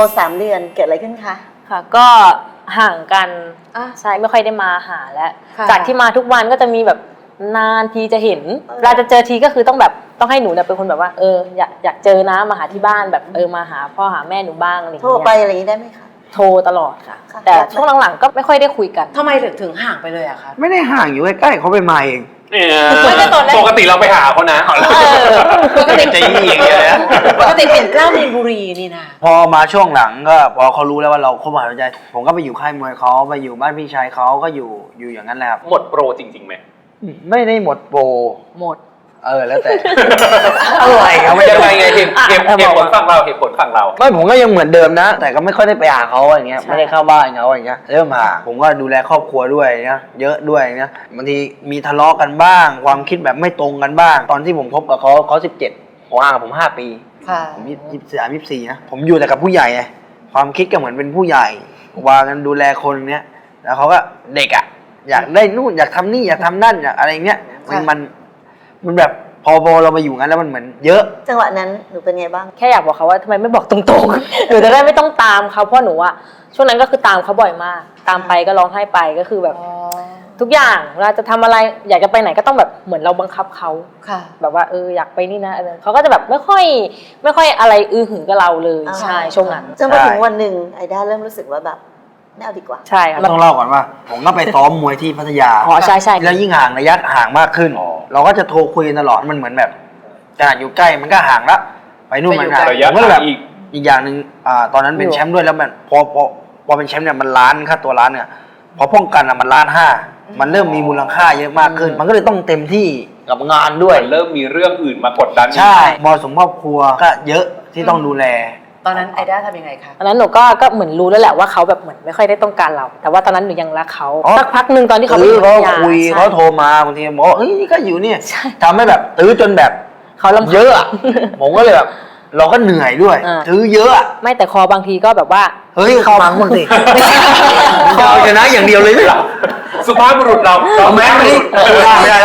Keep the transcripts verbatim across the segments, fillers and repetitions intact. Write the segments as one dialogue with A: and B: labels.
A: สามเดือนเกิดอะไรขึ้นคะ
B: ค่ะก็ห่างกันใช่ไม่ค่อยได้มาหาแล้วจากที่มาทุกวันก็จะมีแบบนานทีจะเห็นเวลาจะเจอทีก็คือต้องแบบต้องให้หนูเนี่ยเป็นคนแบบว่าเอออยากอยากเจอนะมาหาที่บ้านแบบเออมาหาพ่อหาแม่หนูบ้างอะไรอย่างเงี้ย
A: โทรไปอะไรอย่างนี้ได้ไหมคะ
B: โทรตลอดค่ะแต่ช่วงหลังๆก็ไม่ค่อยได้คุยกัน
C: ทำไมถึงถึงห่างไปเลยอะคะ
D: ไม่ได้ห่างอยู่ใกล้ๆเขาไปมาเอง
C: ไม่ได้ตอนแรก
E: ปกติเราไปหาเขานะ
C: ปกติ
E: จะยี่อย่างเงี้ยนะ
C: ปกติเป็นเล่ามีนบุรีนี่นะ
D: พอมาช่วงหลังก็พอเขารู้แล้วว่าเราคบหาดูใจผมก็ไปอยู่ค่ายมวยเขาไปอยู่บ้านพี่ชายเขาก็อยู่อยู่อย่างนั้นแหละครับ
E: หมดโปรจริงๆไหม
D: ไม่ได้หมดโปร
B: หมด
D: เออแล้วแต่อะไรครับ
E: ไม่ยังไงไงเหตุเหตุผลฝั่งเราเหตุผลฝั่งเรา
D: ไม่ผมก็ยังเหมือนเดิมนะแต่ก็ไม่ค่อยได้ไปหาเขาอย่างเงี้ยไม่ได้เข้าบ้านเขาอย่างเงี้ยเริ่มหาผมก็ดูแลครอบครัวด้วยเงี้ยเยอะด้วยเงี้ยบางทีมีทะเลาะกันบ้างความคิดแบบไม่ตรงกันบ้างตอนที่ผมคบกับเขาเขาสิบเจ็ดผมห่างกับผมห้าปีผมยี่สิบสามยี่สิบสี่นะผมอยู่แต่กับผู้ใหญ่ไงความคิดก็เหมือนเป็นผู้ใหญ่วางกันดูแลคนเนี้ยแล้วเขาก็เด็กอ่ะอยากได้นู่นอยากทำนี่อยากทำนั่นอยากอะไรเงี้ยมันมันมันแบบพอพอเรามาอยู่งั้นแล้วมันเหมือนเยอะ
A: จังหวะนั้นหนูเป็นไงบ้าง
B: แค่อยากบอกเขาว่าทำไมไม่บอกตรงๆหนูจะได้ไม่ต้องตามเขาเพราะหนูอะช่วงนั้นก็คือตามเขาบ่อยมากตามไปก็ร้องไห้ไปก็คือแบบทุกอย่างเวลาจะทำอะไรอยากจะไปไหนก็ต้องแบบเหมือนเราบังคับเขาแบบว่าเอออยากไปนี่นะเขาก็จะแบบไม่ค่อยไม่ค่อยอะไรอื้อหือกับเราเลยใช่ช่วงนั้น
A: จนมาถึงวันหนึ่งไอด้าเริ่มรู้สึกว่าแบบไม่เอาดีกว่า
B: ใช่ค่ะ
D: ต้องเล่าก่อนว่าผมก็ไปซ้อมมวยที่พัทยา
B: อ๋อใช่ใช่
D: แล้วยิ่งห่างระยะห่างมากขึ้นเราก็จะโทรคุยตลอดมันเหมือนแบบขนาดอยู่ใกล้มันก็ห่างละไปนู่นมันห่างผมก็แบบอีกอย่างหนึ่งอ่าตอนนั้นเป็นแชมป์ด้วยแล้วมันพอพอพอเป็นแชมป์เนี่ยมันล้านค่าตัวล้านเนี่ยพอป้องกันอ่ะมันล้านห้ามันเริ่มมีมูลค่าเยอะมากขึ้นมันก็เลยต้องเต็มที่กับงานด้วย
E: เริ่มมีเรื่องอื่นมากดดัน
D: ใช่มรสุมครอบครัวก็เยอะที่ต้องดูแล
C: ตอนนั้นไอด้าทำยังไงคะ
B: ตอนนั้นหนูก็ก็เหมือนรู้แล้วแหละว่าเขาแบบเหมือนไม่ค่อยได้ต้องการเราแต่ว่าตอนนั้นหนูยังรักเขาสักพักหนึ่งตอนที่เขาไป
D: เขาคุยเขาโทรมาบางทีบอกเฮ้ยนี่ก็อยู่เนี่ยทำให้แบบตื้อจนแบบ
B: เขาลำ
D: เยอะอะผมก็เลยแบบเราก็เหนื่อยด้วยตื้อเยอะ
B: ไม่แต่คอบางทีก็แบบว่า
D: เฮ้ยเขาฟังบ้างสิเขาชนะอย่างเดียวเลยหรอ
E: สุภาพบุรุษเราเราแม้ไม่ได้ไม่ได้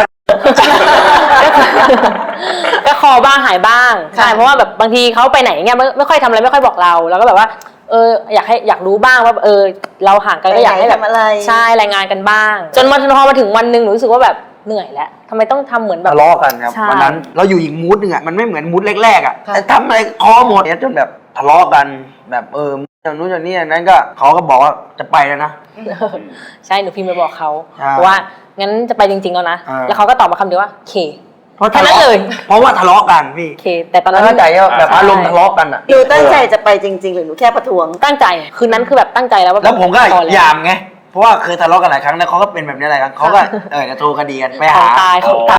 B: ก็คอบ้างหายบ้างใช่เพราะว่าแบบบางทีเขาไปไหนเงี้ยไม่ไม่ค่อยทำอะไรไม่ค่อยบอกเราแล้วก็แบบว่าเอออยากให้อยากรู้บ้างว่าเออเราห่างกันก็อยากให้แบบใช่รายงานกันบ้างจนมาพอมาถึงวันหนึ่งหนูรู้สึกว่าแบบเหนื่อยแล้วทำไมต้องทำเหมือนแบบ
D: ทะเลาะกันครับวันนั้นเราอยู่อีกมูดหนึ่งอ่ะมันไม่เหมือนมูดแรกๆอ่ะแต่ทำอะไรคอหมดเนี่ยจนแบบทะเลาะกันแบบเอออย่างนู้นอย่างนี้อย่างนั้นก็เขาก็บอกว่าจะไปแล้วนะ
B: ใช่หนูพิมพ์ไปบอกเขาว่างั้นจะไปจริงๆแล้วนะแล้วเขาก็ตอบมาคำเดียวว่าเค
D: เพราะทะเลาะเลยเพราะว่าทะเลาะกันพี่
B: เคแต่ตอนนั้น
D: เข้าใจว่าแบบอารมณ์ทะเลาะกันอ่ะ
A: หนูตั้งใจจะไปจริงๆหรือหนูแค่ประท้วง
B: ตั้งใจคืนนั้นคือแบบตั้งใจแล้วว่า
D: แล้วผมก็ยามไงเพราะว่าเคยทะเลาะกันหลายครั้งแล้วเขาก็เป็นแบบนี้หลายครั้งเขาก็เออจะโทรคดีกันไปหา
B: ตายเขาตา